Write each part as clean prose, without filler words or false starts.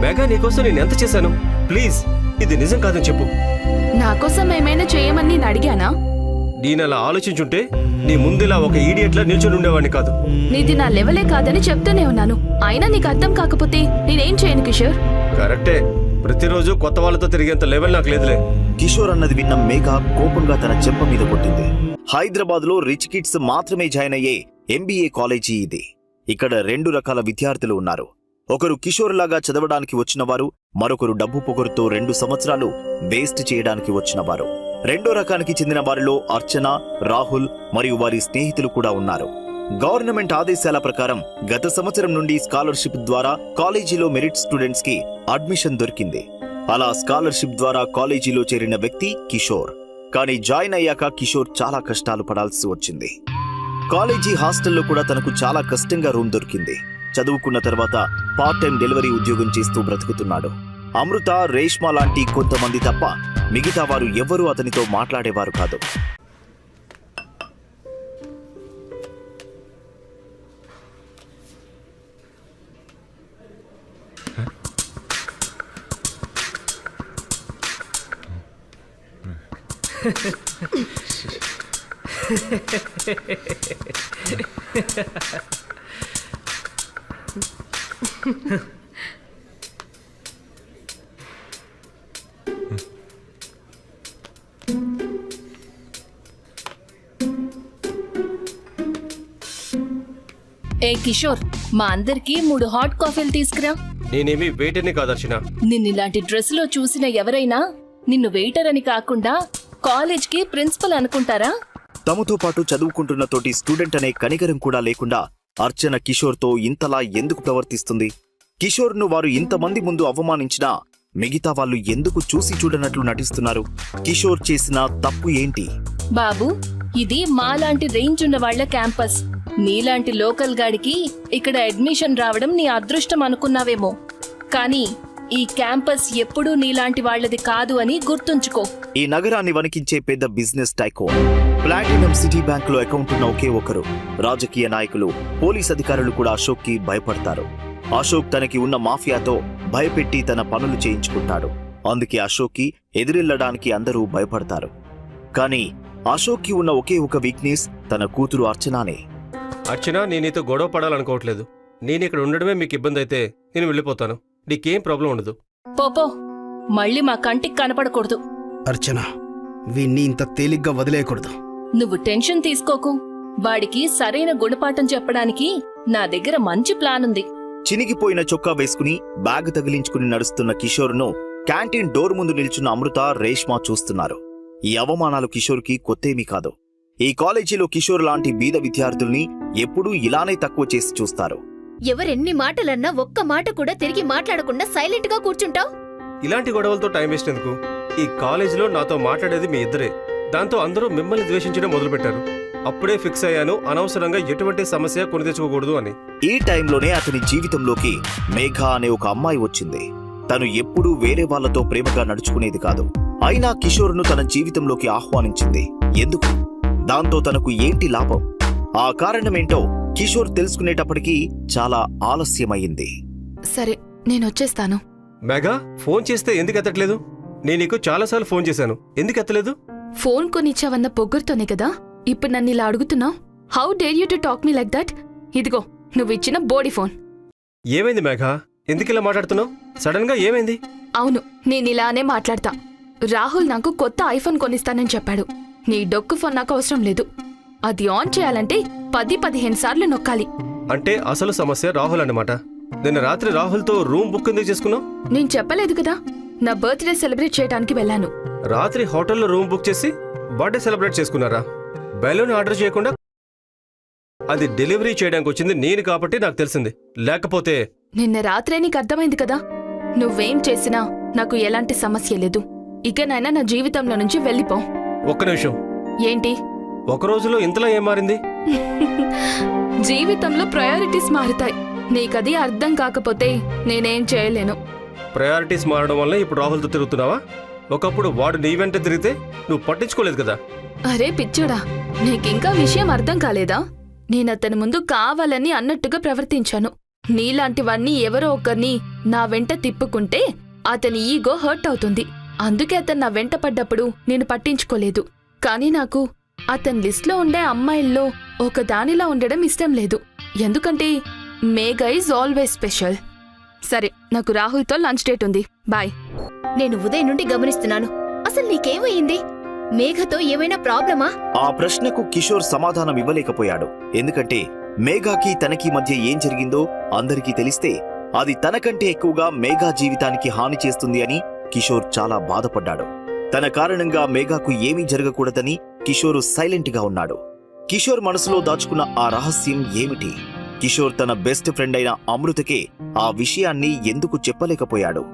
Mega నీకోసం నేను ఎంత చేశాను? ప్లీజ్ ఇది నిజం కాదని చెప్పు. నా కోసం ఏమైనా చేయమని నేను అడిగానా? నేను అలా ఆలోచించుంటే నీ ముందులా ఒక ఈడియట్లా నిల్చొని ఉండేవాడిని కాదు. నీది నా లెవెలే కాదని చెప్తూనే ఉన్నాను. అయినా నీకు అర్థం కాకపోతే నేనేం చేయను కిషోర్. కరెక్టే, ప్రతిరోజు కొత్త వాళ్ళతో తిరిగేంత లెవెల్ నాకు లేదులే. కిషోర్ అన్నది విన్న మేఘా కోపంగా తన చెంప మీద కొట్టింది. హైదరాబాద్ లో రిచ్ కిడ్స్ మాత్రమే జాయిన్ అయ్యే ఎంబీఏ కాలేజీ ఇది. ఇక్కడ 2 రకాల విద్యార్థులు ఉన్నారు. ఒకరు కిషోర్ లాగా చదవడానికి వచ్చినవారు, మరొకరు డబ్బు పొగరుతో 2 సంవత్సరాలు వేస్ట్ చేయడానికి వచ్చినవారు. రెండో రకానికి చెందిన వారిలో అర్చన, రాహుల్ మరియు వారి స్నేహితులు కూడా ఉన్నారు. గవర్నమెంట్ ఆదేశాల ప్రకారం గత సంవత్సరం నుండి స్కాలర్షిప్ ద్వారా కాలేజీలో మెరిట్ స్టూడెంట్స్ కి అడ్మిషన్ దొరికింది. అలా స్కాలర్షిప్ ద్వారా కాలేజీలో చేరిన వ్యక్తి కిషోర్. కానీ జాయిన్ అయ్యాక కిషోర్ చాలా కష్టాలు పడాల్సి వచ్చింది. కాలేజీ హాస్టల్లో కూడా తనకు చాలా కష్టంగా రూమ్ దొరికింది. చదువుకున్న తర్వాత పార్ట్ టైం డెలివరీ ఉద్యోగం చేస్తూ బ్రతుకుతున్నాడు. అమృత, రేష్మా లాంటి కొంతమంది తప్ప మిగతా వారు ఎవ్వరూ అతనితో మాట్లాడేవారు కాదు. ఏ కిషోర్, మా అందరికి 3 హాట్ కాఫీలు తీసుకురా. నేనేమి వెయిటర్ని కాదర్శన. నిన్నిలాంటి డ్రెస్ లో చూసిన ఎవరైనా నిన్ను వెయిటర్ అని కాకుండా కాలేజ్ కి ప్రిన్సిపల్ అనుకుంటారా? తమతో పాటు చదువుకుంటున్న తోటి స్టూడెంట్ అనే కనికరం కూడా లేకుండా అర్చన కిషోర్ తో ఇంతలా ఎందుకు ప్రవర్తిస్తుంది? కిషోర్ ను వారు ఇంతమంది ముందు అవమానించినా మిగతా వాళ్ళు ఎందుకు చూసి చూడనట్లు నటిస్తున్నారు? కిషోర్ చేసిన తప్పు ఏంటి? బాబు, ఇది మాలాంటి రేంజ్ ఉన్న వాళ్ల క్యాంపస్. నీలాంటి లోకల్ గాడికి ఇక్కడ అడ్మిషన్ రావడం నీ అదృష్టం అనుకున్నావేమో. కానీ ఈ క్యాంపస్ ఎప్పుడూ నీలాంటి వాళ్లది కాదు అని గుర్తుంచుకో. ఈ నగరాన్ని వణికించే పెద్ద business tycoon, platinum city bank లో అకౌంట్ ఉన్న ఒకే ఒకరు. రాజకీయ నాయకులు, పోలీస్ అధికారులు కూడా అశోక్ కి భయపడతారు. అశోక్ తనకి ఉన్న మాఫియాతో భయపెట్టి తన పనులు చేయించుకుంటాడు. అందుకే అశోక్ కి ఎదురెళ్లడానికి అందరూ భయపడతారు. కానీ అశోక్ కి ఉన్న ఒకే ఒక వీక్నెస్ తన కూతురు అర్చనానే. అర్చన, నేను నీతో గొడవ పడాలనుకోవట్లేదు. నేను ఇక్కడ ఉండడమే మీకు ఇబ్బంది అయితే నేను వెళ్ళిపోతాను. నీకేం ప్రాబ్లం ఉండదు. పోపో, మళ్ళీ మా కంటికి కనపడకూడదు. అర్చన, వీణ్ణి ఇంత తేలిగ్గా వదిలేయకూడదు. నువ్వు టెన్షన్ తీసుకోకు. వాడికి సరైన గుణపాఠం చెప్పడానికి నా దగ్గర మంచి ప్లాన్ ఉంది. చినిగిపోయిన చొక్కా వేసుకుని బ్యాగ్ తగిలించుకుని నడుస్తున్న కిషోర్ను క్యాంటీన్ డోర్ ముందు నిల్చున్న అమృత, రేష్మా చూస్తున్నారు. ఈ అవమానాలు కిషోర్ కి కొత్తేమీ కాదు. ఈ కాలేజీలో కిషోర్ లాంటి బీద విద్యార్థుల్ని ఎప్పుడూ ఇలానే తక్కువ చేసి చూస్తారు. ఎవరెన్ని మాటలన్నా ఒక్క మాట కూడా తిరిగి మాట్లాడకుండా సైలెంట్ గా కూర్చుంటావు. ఇలాంటి గొడవలతో టైం వేస్ట్ ఎందుకు? ఈ కాలేజీలో నాతో మాట్లాడేది మీ ఇద్దరే. దాంతో అందరూ మిమ్మల్ని ద్వేషించడం మొదలుపెట్టారు. అప్పుడే ఫిక్స్ అయ్యాను అనవసరంగా ఎటువంటి సమస్య కొని తెచ్చుకోకూడదు అని. ఈ టైంలోనే అతని జీవితంలోకి మేఘా అనే ఒక అమ్మాయి వచ్చింది. తను ఎప్పుడూ వేరే వాళ్లతో ప్రేమగా నడుచుకునేది కాదు. అయినా కిషోర్ను తన జీవితంలోకి ఆహ్వానించింది. ఎందుకు? దాంతో తనకు ఏంటి లాభం? ఆ కారణమేంటో కిషోర్ తెలుసుకునేటప్పటికీ చాలా ఆలస్యమయ్యింది. సరే, నేనొచ్చేస్తాను. మెగా, ఫోన్ చేస్తే ఎందుకు ఎత్తట్లేదు? నేను నీకు చాలాసార్లు ఫోన్ చేశాను, ఎందుకు ఎత్తలేదు? ఫోన్ కొనిచ్చావన్న పొగ్గురుతోనే కదా ఇప్పుడు నన్ను ఇలా అడుగుతున్నావు. How dare you to talk me like that? ఇదిగో నువ్విచ్చిన బోడీ ఫోన్. ఏమైంది మెగా? ఎందుకిలా మాట్లాడుతున్నావు? సడన్ గా ఏమైంది? అవును, నేనిలానే మాట్లాడతా. రాహుల్ నాకు కొత్త ఐఫోన్ కొనిస్తానని చెప్పాడు. నీ డొక్కు ఫోన్ నాకు అవసరం లేదు. అది ఆన్ చేయాలంటే 10-15 సార్లు నొక్కాలి. అంటే అసలు సమస్య రాహుల్ అన్నమాట. నిన్న రాత్రి రాహుల్తో రూమ్ బుక్ ఎందుకు చేసుకున్నావు? నేను చెప్పలేదు కదా, నా బర్త్డే సెలబ్రేట్ చేయడానికి వెళ్ళాను. రాత్రి హోటల్లో రూమ్ బుక్ చేసి బర్త్డే సెలబ్రేట్ చేసుకున్నారా? బెలూన్ ఆర్డర్ చేయకుండా? అది డెలివరీ చేయడానికి వచ్చింది నేను కాబట్టి నాకు తెలిసింది, లేకపోతే... నిన్న రాత్రే నీకు అర్థమైంది కదా. నువ్వేం చేసినా నాకు ఎలాంటి సమస్య లేదు. ఇకనైనా నా జీవితంలో నుంచి వెళ్ళిపో. ఒక్క నిమిషం. ఏంటి? ఒక రోజులో ఇంతలా ఏం మారింది? జీవితంలో ప్రయారిటీస్ మారుతాయి. నీకది అర్థం కాకపోతే నేనేం చేయలేను. ప్రయారిటీస్ మారడం వల్ల ఇప్పుడు రాహుల్తో తిరుగుతున్నావా? ఒకప్పుడు వాడు నీ వెంట తిరిగితే నువ్వు పట్టించుకోలేదు కదా. అరే పిచ్చుడా, నీకింకా విషయం అర్థం కాలేదా? నేనతని ముందు కావాలని అన్నట్టుగా ప్రవర్తించాను. నీలాంటివన్నీ ఎవరో ఒకరిని నా వెంట తిప్పుకుంటే అతని ఈగో హర్ట్ అవుతుంది. అందుకే అతను నా వెంట పడ్డప్పుడు నేను పట్టించుకోలేదు. కానీ నాకు అతని లిస్ట్లో ఉండే అమ్మాయిల్లో ఒక దానిలా ఉండడం ఇష్టం లేదు. ఎందుకంటే మేఘా ఈజ్ ఆల్వేస్ స్పెషల్. సరే, నాకు రాహుల్తో లంచ్ డేట్ ఉంది. బాయ్. నేను ఉదయం నుండి గమనిస్తున్నాను. అసలు నీకేమయ్యింది? మేఘతో ఏమైనా ప్రాబ్లమా? ఆ ప్రశ్నకు కిషోర్ సమాధానం ఇవ్వలేకపోయాడు. ఎందుకంటే మేఘాకి తనకి మధ్య ఏం జరిగిందో అందరికీ తెలిస్తే అది తనకంటే ఎక్కువగా మేఘా జీవితానికి హాని చేస్తుంది అని కిషోర్ చాలా బాధపడ్డాడు. తన కారణంగా మేఘాకు ఏమీ జరగకూడదని కిషోర్ సైలెంట్ గా ఉన్నాడు. కిషోర్ మనసులో దాచుకున్న ఆ రహస్యం ఏమిటి? కిషోర్ తన బెస్ట్ ఫ్రెండ్ అయిన అమృతకే ఆ విషయాన్ని ఎందుకు చెప్పలేకపోయాడు?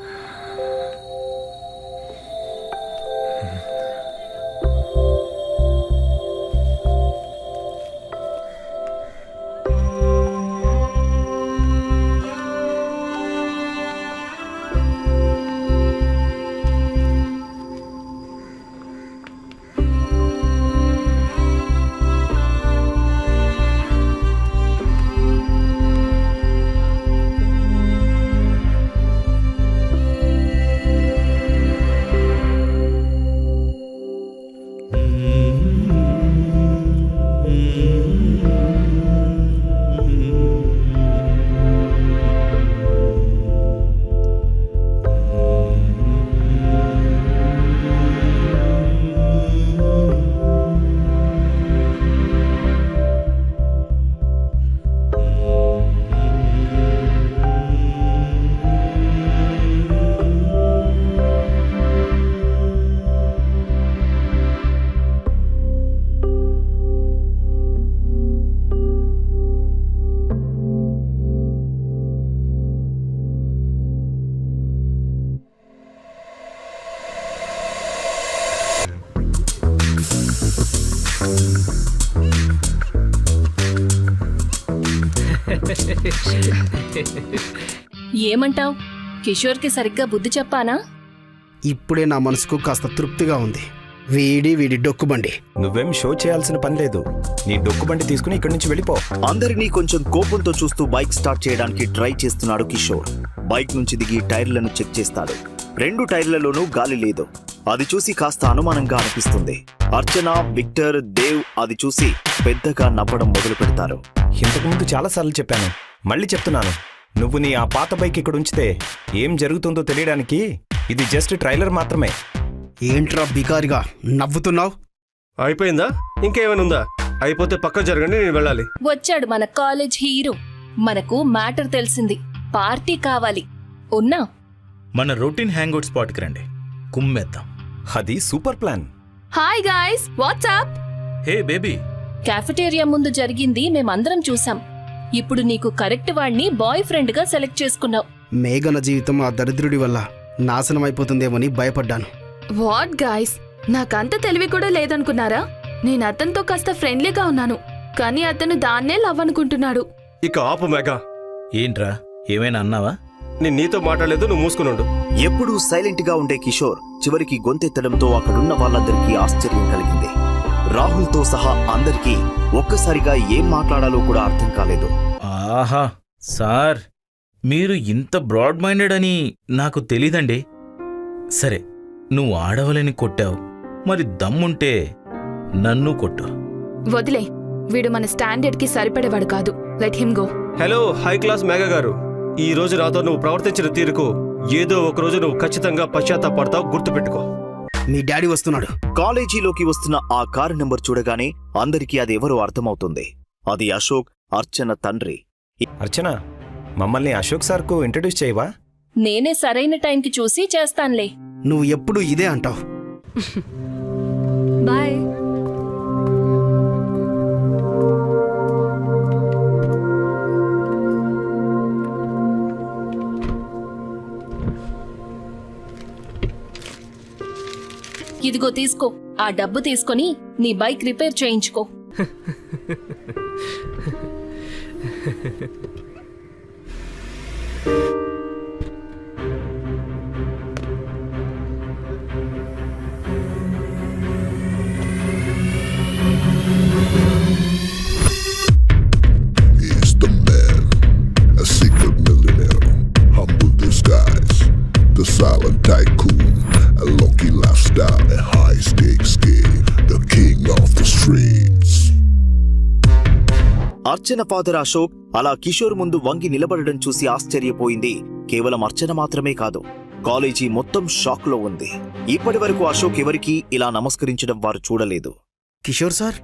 ఏమంటావ్? కిషోర్కి సరిగ్గా బుద్ధి చెప్పానా? ఇప్పుడే నా మనసుకు కాస్త తృప్తిగా ఉంది. వీడి డొక్కుబండి. నువ్వేం షో చేయాల్సిన పని లేదు. నీ డొక్కుబండి తీసుకుని ఇక్కడి నుంచి వెళ్ళిపో. అందరినీ కొంచెం కోపంతో చూస్తూ బైక్ స్టార్ట్ చేయడానికి ట్రై చేస్తున్నాడు కిషోర్. బైక్ నుంచి దిగి టైర్లను చెక్ చేస్తాడు. 2 టైర్లలోనూ గాలి లేదు. అది చూసి కాస్త అనుమానంగా అనిపిస్తుంది. అర్చన, విక్టర్, దేవ్ అది చూసి పెద్దగా నవ్వడం మొదలు పెడతారు. ఇంతకుముందు చాలాసార్లు చెప్పాను, మళ్ళీ చెప్తున్నాను. నువ్వు నీ ఆ పాత బైక్ ఇక్కడ ఉంచితే ఏం జరుగుతుందో తెలియడానికి ఇది జస్ట్ ట్రైలర్ మాత్రమే. ఏంట్రా బికారిగా నవ్వుతున్నావు? అయిపోయిందా? ఇంకేమైనా ఉందా? అయిపోతే పక్క జరగండి, నేను వెళ్ళాలి. వచ్చాడు మన కాలేజ్ హీరో. మనకు మ్యాటర్ తెలిసింది. పార్టీ కావాలి. ఉన్నా? మన రొటీన్ హ్యాంగ్అవుట్ స్పాట్కి రండి, కుమ్మేద్దాం. అది super plan. Hi guys, what's up? Hey baby. Cafeteria ముందు జరిగింది మేమందరం చూసాం. ఇప్పుడు నీకు కరెక్ట్ వాణ్ణి బాయ్ ఫ్రెండ్ గా సెలెక్ట్ చేసుకున్నావు. మేఘన జీవితం ఆ దరిద్రుడి వల్ల నాశనం అయిపోతుందేమోని భయపడ్డాను. వాట్ గాయ్స్, నాకంత తెలివి కూడా లేదనుకున్నారా? నేను అతనితో కాస్త ఫ్రెండ్లీగా ఉన్నాను, కానీ అతను దాన్నే లవ్ అనుకుంటున్నాడు. ఇక ఆపు మేఘా. ఏంట్రా, ఏమైనా అన్నావా? నేను నీతో మాట్లాడలేదు, నువ్వు మూసుకునుండు. ఎప్పుడూ సైలెంట్ గా ఉండే కిషోర్ చివరికి గొంతెత్తడంతో అక్కడున్న వాళ్ళందరికీ ఆశ్చర్యం కలిగింది. రాహుల్తో సహా అందరికీ ఒక్కసారిగా ఏం మాట్లాడాలో కూడా అర్థం కాలేదు. ఆహా సార్, మీరు ఇంత బ్రాడ్ మైండెడ్ అని నాకు తెలీదండి. సరే, నువ్వు ఆడవలని కొట్టావు, మరి దమ్ముంటే నన్ను కొట్టు. వదిలే, వీడు మన స్టాండర్డ్ కి సరిపడేవాడు కాదు. Let him go. Hello high class Megha గారు, ఈ రోజు నాతో నువ్వు ప్రవర్తించిన తీరుకు ఏదో ఒక రోజు నువ్వు ఖచ్చితంగా పశ్చాత్తాపడతావు, గుర్తుపెట్టుకో. మీ డాడీ వస్తున్నాడు. కాలేజీలోకి వస్తున్న ఆ కారు నెంబర్ చూడగానే అందరికీ అది ఎవరో అర్థమవుతుంది. అది అశోక్, అర్చన తండ్రి. అర్చన, మమ్మల్ని అశోక్ సార్కు ఇంట్రడ్యూస్ చేయవా? నేనే సరైన టైంకి చూసి చేస్తాన్లే. నువ్వు ఎప్పుడు ఇదే అంటావు. బాయ్. ఇదిగో తీసుకో. ఆ డబ్బు తీసుకొని నీ బైక్ రిపేర్ చేయించుకో. He's the man, a silent tycoon, a lucky lifestyle, a high stakes game, the king of the streets. Archana father Ashok అలా కిషోర్ ముందు వంగి నిలబడడం చూసి ఆశ్చర్యపోయింది. కేవలం అర్చన మాత్రమే కాదు, కాలేజీ మొత్తం షాక్ లో ఉంది. ఇప్పటి వరకు అశోక్ ఎవరికీ ఇలా నమస్కరించడం వారు చూడలేదు. కిషోర్ సార్,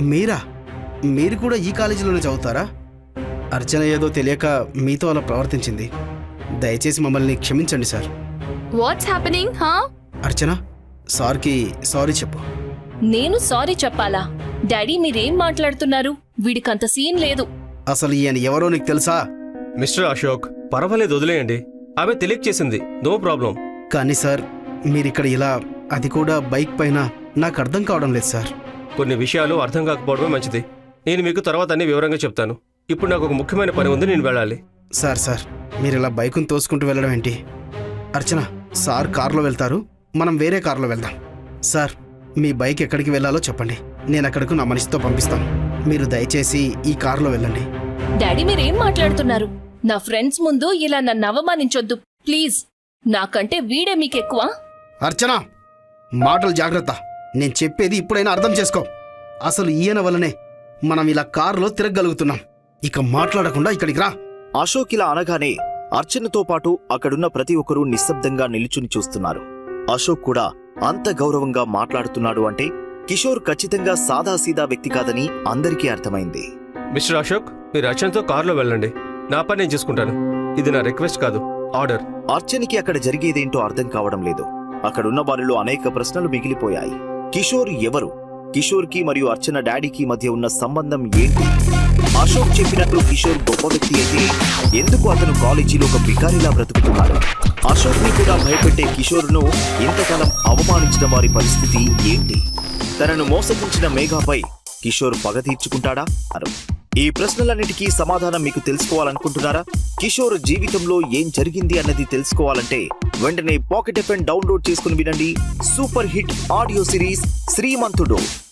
మీరు కూడా ఈ కాలేజీలోనే చదువుతారా? అర్చన ఏదో తెలియక మీతో అలా ప్రవర్తించింది. దయచేసి మమ్మల్ని క్షమించండి సార్. వాట్స్ హ్యాపెనింగ్ హా? అర్చన, సార్కి సారీ చెప్పు. నేను సారీ చెప్పాలా? డాడీ మీరేం మాట్లాడుతున్నారు? వీడికంత సీన్ లేదు. అసలు ఈయన ఎవరో నీకు తెలుసా? మిస్టర్ అశోక్, పర్వాలేదు, వదిలేయండి. ఆమె తెలియక చేసింది, నో ప్రాబ్లం. కానీ సార్, మీరిక్కడ ఇలా, అది కూడా బైక్ పైన, నాకు అర్థం కావడం లేదు సార్. కొన్ని విషయాలు అర్థం కాకపోవడమే మంచిది. నేను మీకు తర్వాత అన్ని వివరంగా చెప్తాను. ఇప్పుడు నాకు ఒక ముఖ్యమైన పని ఉంది, నేను వెళ్ళాలి. సార్, మీరు ఇలా బైకును తోసుకుంటూ వెళ్ళడం ఏంటి? అర్చన, సార్ కారులో వెళ్తారు, మనం వేరే కారులో వెళ్దాం. సార్, మీ బైక్ ఎక్కడికి వెళ్ళాలో చెప్పండి, నేను అక్కడకు నా మనిషితో పంపిస్తాను. మీరు దయచేసి ఈ కారులో వెళ్ళండి. డాడీ మీరేం మాట్లాడుతున్నారు? నా ఫ్రెండ్స్ ముందు ఇలా నన్ను అవమానించొద్దు ప్లీజ్. నాకంటే వీడే మీకెక్కువ. అర్చన, మాటలు జాగ్రత్త. నేను చెప్పేది ఇప్పుడైనా అర్థం చేసుకో. అసలు ఈయన వల్లనే మనం ఇలా కారులో తిరగగలుగుతున్నాం. ఇక మాట్లాడకుండా ఇక్కడికి రా. అశోక్ ఇలా అనగానే అర్చనతో పాటు అక్కడున్న ప్రతి ఒక్కరూ నిశ్శబ్దంగా నిలుచుని చూస్తున్నారు. అశోక్ కూడా అంత గౌరవంగా మాట్లాడుతున్నాడు అంటే కిషోర్ ఖచ్చితంగా సాదాసీదా వ్యక్తి కాదని అందరికీ అర్థమైంది. మిస్టర్ అశోక్, మీరు అర్చనతో కారులో వెళ్ళండి. నా పని నేను చేసుకుంటాను. ఇది నా రిక్వెస్ట్ కాదు, ఆర్డర్. అర్చనకి అక్కడ జరిగేదేంటో అర్థం కావడం లేదు. అక్కడున్న వారిలో అనేక ప్రశ్నలు మిగిలిపోయాయి. కిషోర్ ఎవరు? కిషోర్కి మరియు అర్చన డాడీకి మధ్య ఉన్న సంబంధం ఏంటి? అశోక్ చెప్పినట్లు కిషోర్ గొప్ప వ్యక్తి అయితే ఎందుకు అతను కాలేజీలో ఒక బికారిలా బ్రతుకుతున్నాడు? అశోక్ ని కూడా భయపెట్టే కిషోర్ను ఇంతకాలం అవమానించిన వారి పరిస్థితి ఏంటి? తనను మోసగించిన మేఘాపై కిషోర్ పగ తీర్చుకుంటాడా? ఈ ప్రశ్నలన్నిటికీ సమాధానం మీకు తెలుసుకోవాలనుకుంటున్నారా? కిషోర్ జీవితంలో ఏం జరిగింది అన్నది తెలుసుకోవాలంటే వెంటనే పాకెట్ ఎఫ్ఎం డౌన్లోడ్ చేసుకుని వినండి సూపర్ హిట్ ఆడియో సిరీస్ శ్రీమంతుడు.